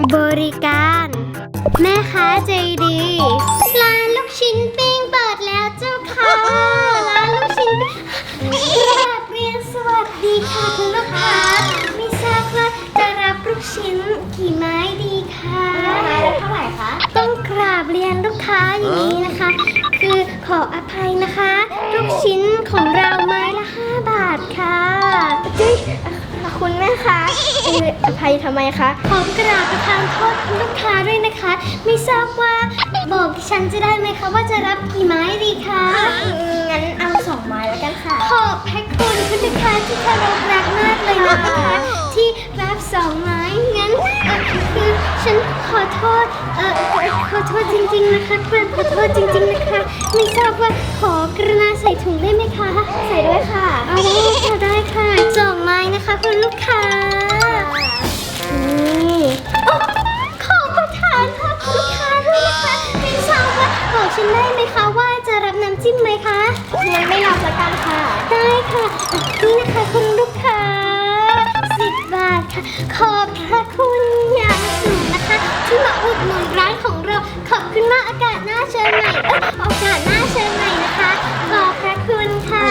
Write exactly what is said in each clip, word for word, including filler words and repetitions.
บริการแม่ค้าใจดีร้านลูกชิ้นปิ้งเปิดแล้วเจ้าค่ะร้านลูกชิ้นปิ้งกราบเรียนสวัสดีค่ะคุณลูกค้าไม่ทราบว่าจะรับลูกชิ้นกี่ไม้ดีคะไม้ละเท่าไหร่คะต้องกราบเรียนลูกค้าอย่างนี้นะคะคือขออภัยนะคะลูกชิ้นของเราไม้ละห้าบาทค่ะจุ๊ยคุณแม่คะอภัยทำไมคะขอกราบประทานโทษคุณลูกค้าด้วยนะคะไม่ทราบว่าบอกดิฉันจะได้ไหมคะว่าจะรับกี่ไม้ดีคะงั้นเอาสองไม้แล้วกันค่ะขอบพระคุณคุณลูกค้าที่เคารพรักมากเลยนะคะที่รับสองไม้งั้นคือฉันขอโทษเออขอโทษจริงๆนะคะเพื่อนขอโทษจริงๆนะคะไม่ทราบว่าขอกรุณาใส่ถุงได้ไหมคะใส่ด้วยค่ะเอาได้ค่ะได้ค่ะสองไม้นะคะคุณลูกค้านี่ขอประทานค่ะคุณลูกค้าด้วยนะคะไม่ทราบว่าบอกฉันได้ไหมคะว่าจะรับน้ำจิ้มไหมคะงั้นไม่รับละกันค่ะได้ค่ะนี่นะคะคุณลูกค้าสิบบาทค่ะขอบพระคุณอย่างสูงนะคะที่มาอุดหนุนร้านของเราขอบคุณมากอากาศหน้าเชิญใหม่เออโอกาสหน้าเชิญใหม่นะคะขอบพระคุณค่ะ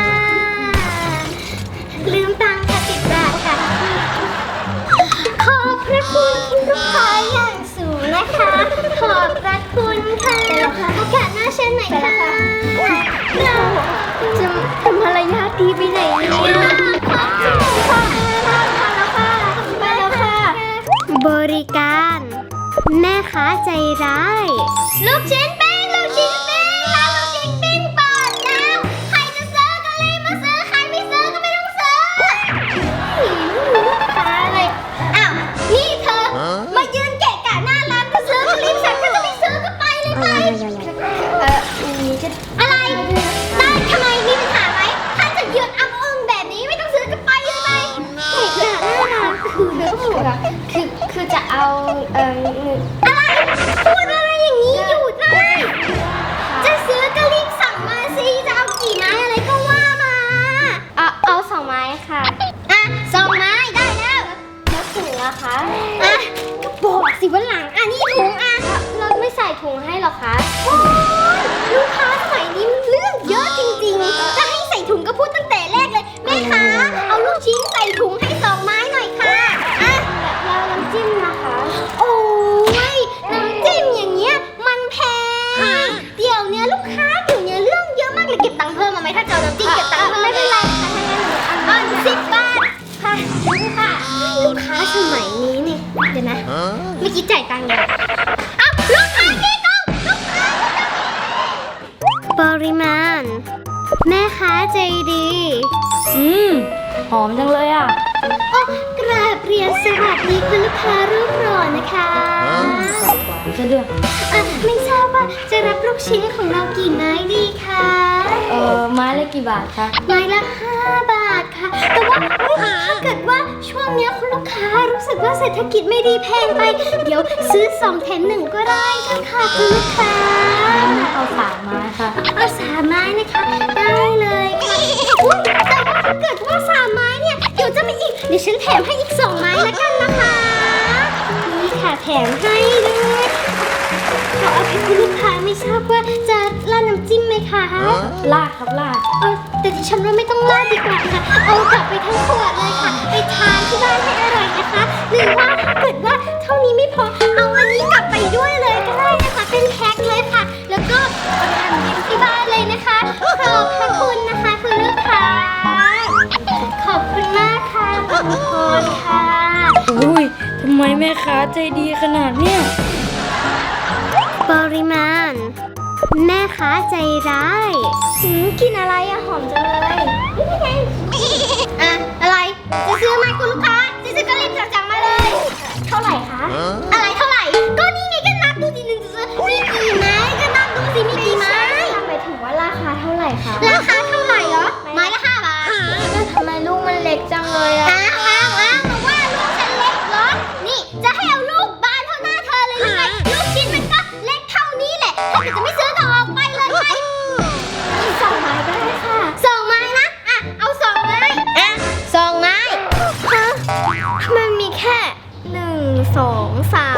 ลืมตังค่ะสิบบาทค่ะขอบพระคุณคุณลูกค้าอย่างสูงนะคะขอบพระคุณค่ะโอกาสหน้าเชิญใหม่ค่ะเราจะทำมารยาทดีไปไหนเนี่ยขอบคุณค่ะมาแล้วค่ะบริการแม่ค้าใจร้ายลูกชิ้นปิ้งลูกชิ้นปิ้งร้านลูกชิ้นปิ้งเปิดแล้วใครจะซื้อก็รีบมาซื้อใครไม่ซื้อก็ไม่ต้องซื้อลูกค้าอะไรอ้าวนี่เธอมายืนเกะกะหน้าร้านก็ซื้อก็รีบสั่งถ้าจะไม่ซื้อก็ไปเลยไปเออมีจะอะไรได้ทำไมมีปัญหาไหมถ้าจะยืนอ้ำอึ้งแบบนี้ไม่ต้องซื้อก็ไปเลยไปเกะกะหน้าร้านคือเรื่องของเราคือคือจะเอาเอ่ออะไรพูดอะไรอย่างนี้หยุดเลยจะซื้อก็รีบสั่งมาสิจะเอากี่ไม้อะไรก็ว่ามาเอาเอาสองไม้ค่ะอ่ะสองไม้ได้แล้วแล้วถุงอะคะอ่ะก็บอกสิวันหลังอ่ะนี่ถุงอ่ะเราไม่ใส่ถุงให้หรอคะโอ้ยลูกค้าสมัยนี้เรื่องเยอะจริงๆจะให้ใส่ถุงก็พูดตั้งแต่แรกเลยแม่ค้าเอาลูกชิ้นใส่ถุงให้สองไม้หน่อยค่ะอ่ะแล้วน้ำจิ้มนะคะโอ้ยน้ำจิ้มอย่างเงี้ยมันแพงเดี๋ยวเนี้ยลูกค้าเดี๋ยวเนี้ยเรื่องเยอะมากเลยเก็บตังค์เพิ่มมาไหมถ้าจะเอาน้ำจิ้มเก็บตังค์เพิ่มไม่เป็นไรค่ะถ้างั้นหนูอันสิบบาทค่ะนี่ค่ะลูกค้าสมัยนี้เนี่ยเดี๋ยวนะเมื่อกี้จ่ายตังค์ยังอ้าวลูกค้ากี่ตังค์ลูกค้าปริมาณแม่ค้าใจดีอืมหอมจังเลยอ่ะโอ้กราบเรียนสวัสดีคุณลูกค้ารูปหล่อนะคะหวานซะด้วยอ่ะไม่ทราบว่าจะรับลูกชิ้นของเรากี่ไม้ดีคะเออไม้ละกี่บาทคะไม้ละห้าบาทค่ะแต่ว่าถ้าเกิดว่าช่วงนี้คุณลูกค้ารู้สึกว่าเศรษฐกิจไม่ดีแพงไปเดี๋ยวซื้อสองแถมหนึ่งก็ได้ค่ะคุณลูกค้าเอาสามไม้ค่ะเอาสามไม้นะคะได้เลยค่ะแต่ว่าถ้าเกิดว่าสามไม้เนี่ยเดี๋ยวจะมีอีกเดี๋ยวฉันแถมให้อีกสองไม้แล้วกันนะคะนี่ค่ะแถมให้ด้วยขออภัยคุณลูกค้าไม่ทราบว่าจะราดน้ำจิ้มไหมคะราดครับราดเออแต่ดิฉันว่าไม่ต้องราดดีกว่าค่ะเอากลับไปทั้งขวดเลยค่ะไปทานที่บ้านให้อร่อยนะคะหรือว่าถ้าเกิดว่าเท่านี้ไม่พอเอาอันนี้กลับไปด้วยเลยก็ได้นะคะเป็นแพ็คเลยค่ะแล้วก็เอาทำกินที่บ้านเลยนะคะขอบพระคุณนะคะคุณลูกค้าขอบคุณมากค่ะขอบคุณค่ะอุ้ยทำไมแม่ค้าใจดีขนาดเนี้ยปริมาณแม่ค้าใจร้ายหืมกินอะไรอะหอมจังเลยนี่ไงอ่ะอะไรจะซื้อไหมคุณลูกค้าจะซื้อก็รีบสั่งมาเลยเท่าไหร่คะอะไรเท่าไหร่ก็นี่ไงก็นับดูสิหนึ่งจะซื้อมีกี่ไม้ก็นับดูสิมีกี่ไม้หมายถึงว่าราคาเท่าไหร่คะราคาเท่าไหร่เหรอไม้ละห้าบาทแล้วทำไมลูกมันเล็กจังเลยอะอ้าวอ้าวอ้าวมาว่าลูกฉันเล็กเหรอนี่จะให้เอาลูกบานเท่าหน้าเธอเลยหรือไงลูกชิ้นมันก็เล็กเท่านี้แหละถ้าเกิดจะไม่ซื้อก็ออกไปเลยไปอีกสองไม้ก็ได้ค่ะสองไม้นะอ่ะเอาสองไม้อ่ะสองไม้ฮะมันมีแค่หนึ่งสองสาม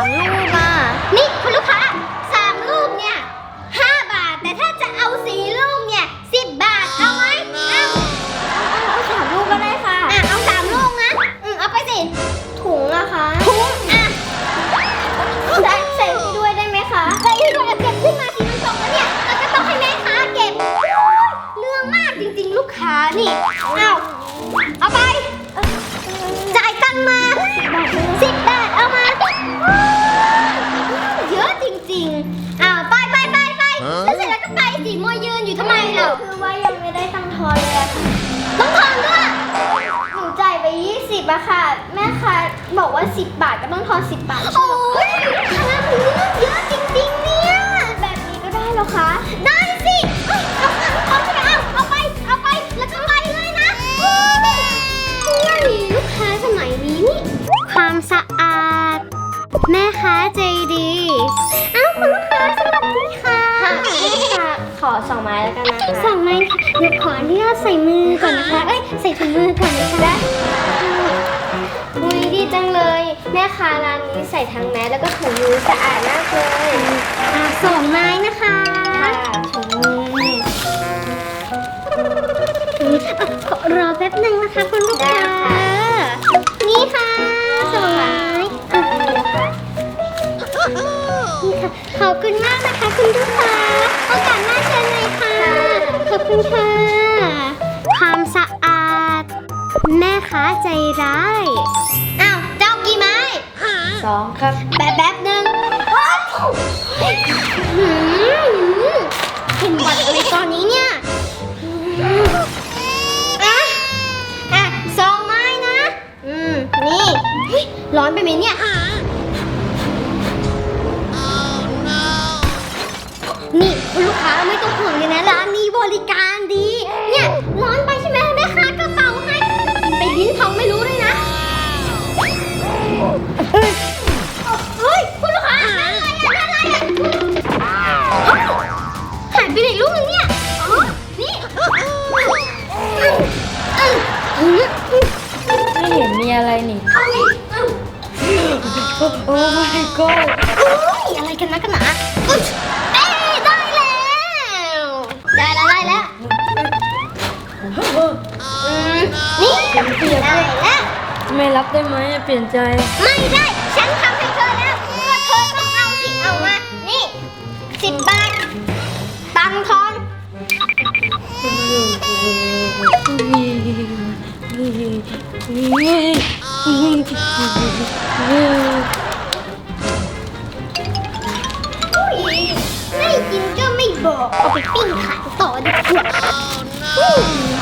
คือว่ายังไม่ได้ตังค์ทอนเลยอะค่ะต้องทอนด้วยหนูจ่ายไปยี่สิบอะค่ะแม่ค้าบอกว่าสิบบาทก็ต้องทอนสิบบาทโอ้ยค่าหนูเยอะจริงๆเนี่ยแบบนี้ก็ได้เหรอคะได้สิเอ้ยเอาเอาเอาเอาไปเอาไปแล้วก็ไปเลยนะนี่ลูกค้าสมัยนี้นี่ความสะอาดแม่ค้าใจดีอ้าวคุณลูกค้าสวัสดีค่ะค่ะแม่ค้าขอสองไม้แล้วกันนะคะสองไม้ค่ะเดี๋ยวขออนุญาตใส่มือก่อนนะคะเอ้ยใส่ถุงมือก่อนนะคะได้อุ้ยดีจังเลยแม่ค้าร้านนี้ใส่ทั้งแมสแล้วก็ถุงมือสะอาดมากเลยอ่าสองไม้นะคะค่ะถุงมืออ่ะขอรอแป๊บหนึ่งนะคะคุณลูกค้านี่ค่ะสองไม้อ่ะนี่ค่ะขอบคุณมากนะคะคุณลูกค้าโอกาสหน้าเชิญเลยค่ะขอบคุณค่ะความสะอาดแม่ค้าใจร้ายอ้าวเจ้ากี่ไม้สองครับแป๊บแป๊บหนึ่งหืมเห็นหวัดอะไรตอนนี้เนี่ยอ่ะอ่ะสองไม้นะ อืม นี่เฮ้ยร้อนไปไหมเนี่ย นี่คุณลูกค้าไม่ต้องห่วงเลยนะร้านนี้บริการดี เนี่ยร้อนไปใช่ไหมแม่ค้ากระเป๋าให้กินไปลิ้นท้องไม่รู้เลยนะ เฮ้ยคุณลูกค้าอะไรอ่ะอะไรอ่ะหายไปไหนลูกนึงเนี่ยอ๋อนี่ไม่เห็นมีอะไรนี่ โอ้ my god โอ้ยอะไรกันนะกันหนาอุ๊ยเอ้ยได้แล้วได้แล้วได้แล้วอืมนี่ได้แล้วไม่รับได้ไหมเปลี่ยนใจไม่ได้ฉันทำให้เธอแล้วก็เธอต้องเอาสิเอามานี่สิบบาทตังค์ทอนอุ๊ยไม่กินก็ไม่บอกเอาไปปิ้งขายต่อดีกว่าอืม